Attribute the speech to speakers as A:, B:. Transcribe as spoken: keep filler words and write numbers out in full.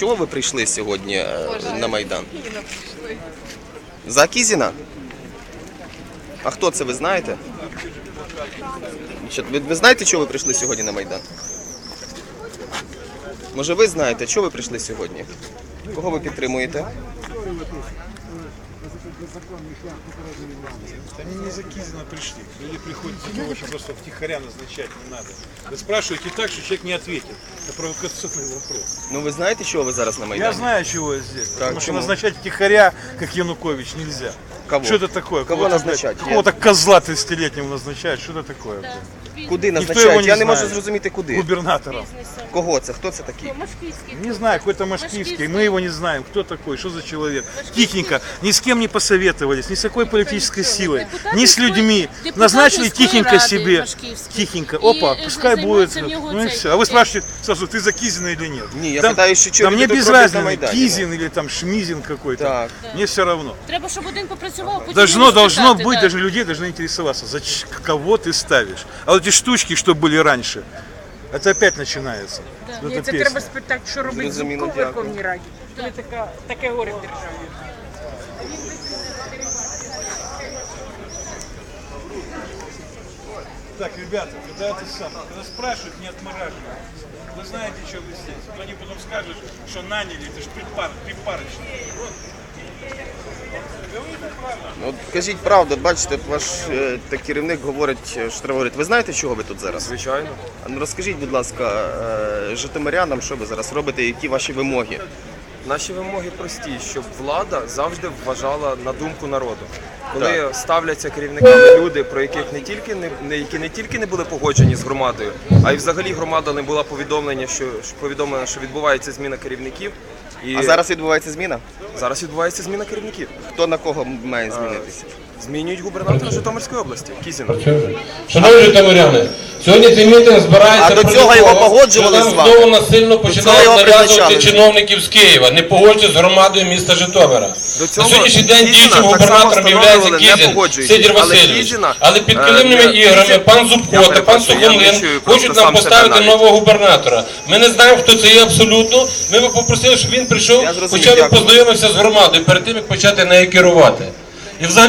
A: Чого ви прийшли сьогодні на Майдан? За Кізіна? А хто це, ви знаєте? Ви, ви знаєте, чого ви прийшли сьогодні на Майдан? Може ви знаєте, чого ви прийшли сьогодні? Кого ви підтримуєте?
B: Они не за Кизина пришли. Люди приходят за того, что просто втихаря назначать не надо. Вы спрашиваете так, что человек не ответит. Это провокационный вопрос.
A: Ну ви знаєте, чого ви зараз на Майдані?
B: Я знаю, чего я здесь.
A: Так,
B: потому что
A: чему?
B: назначать втихаря, как Янукович, нельзя.
A: Кого?
B: Что это такое?
A: Кого назначать?
B: Какого-то козла тридцатилетнего назначают. Что это такое?
A: Куди
B: його
A: назначають?
B: не
A: Я не можу
B: знає.
A: зрозуміти, куди.
B: Губернатором.
A: Кого це? Хто це такий?
B: Не знаю, какой-то Машкивский. Мы его не знаем. Кто такой? Что за человек? Тихенько. Ни с кем не посоветовались. Ни с какой политической силой. Ни с людьми. Назначили тихенько себе. Тихенько. Опа, пускай будет. Ну и все. А вы спрашиваете сразу, ты за Кизина или нет?
A: Не, я
B: Там,
A: питаю, що чого
B: там
A: люди
B: мне
A: тут
B: без
A: роблять на
B: разницы,
A: Майдані.
B: Кизин или там Шмизин какой-то.
A: Так.
B: Мне все равно.
C: Треба, щоб один попрацював, потім
B: Должно,
C: його
B: должно
C: спитати,
B: быть,
C: да.
B: даже людей должны интересоваться, за ч- кого ты ставишь. А вот эти штучки, что были раньше, это опять начинается. Вот
D: Ні,
B: эта
D: це
B: песня.
D: треба спитати, що робить
A: Зрозуміло,
D: Зубко в
A: дякую.
D: Верховній Раді. Коли така, таке горе в державі.
B: Так, ребята, когда это самое, когда спрашивают, не отмораживают. Вы знаете, что вы здесь. Вот они потом скажут, что наняли, это же припар, припарочно. Вот. Говорите правду.
A: Ну, от кажіть правду, бачите, ваш е, та керівник говорить, що треба говорити. Ви знаєте, чого ви тут зараз?
E: Звичайно.
A: А ну, розкажіть, будь ласка, е, житомирянам, що ви зараз робите, які ваші вимоги?
E: Наші вимоги прості, щоб влада завжди вважала на думку народу. Коли
A: Так.
E: ставляться керівниками люди, про яких не тільки не, не які не тільки не були погоджені з громадою, а й взагалі громада не була повідомлення, що що повідомлена, що відбувається зміна керівників. І
A: А зараз відбувається зміна?
E: зараз відбувається зміна керівників.
A: Хто на кого має змінитися?
E: Змінюють губернатора Житомирської області Кізіна.
F: Шановні житомиряни, сьогодні цей мітинг збирається
A: А до
F: проти
A: цього
F: того,
A: його погоджували
F: що
A: з
F: нам
A: вами?
F: знову насильно
A: цього
F: починають
A: його
F: нав'язувати
A: призначали?
F: чиновників з Києва, не погоджуються з громадою міста Житомира.
E: До
F: На
E: цього
F: сьогоднішній день
E: Кізіна
F: діючим
E: так само
F: губернатором є
E: встановлювали, не
F: Кізін,
E: погоджуючись.
F: Сидір
E: Але
F: Васильович.
E: Кізіна,
F: Але під
E: е,
F: килимними
E: не-
F: іграми
E: Кізін-
F: пан
E: Я
F: Зубко та пан
E: перепрошую, я не
F: Сухомлин
E: чую
F: хочуть
E: просто
F: нам
E: сам себе
F: поставити
E: навіть.
F: нового губернатора. Ми не знаємо, хто це є абсолютно. Ми би попросили, щоб він прийшов,
A: Я зрозумів,
F: хоча б
A: дякую.
F: познайомився з громадою перед тим, як почати нею керувати. І взагалі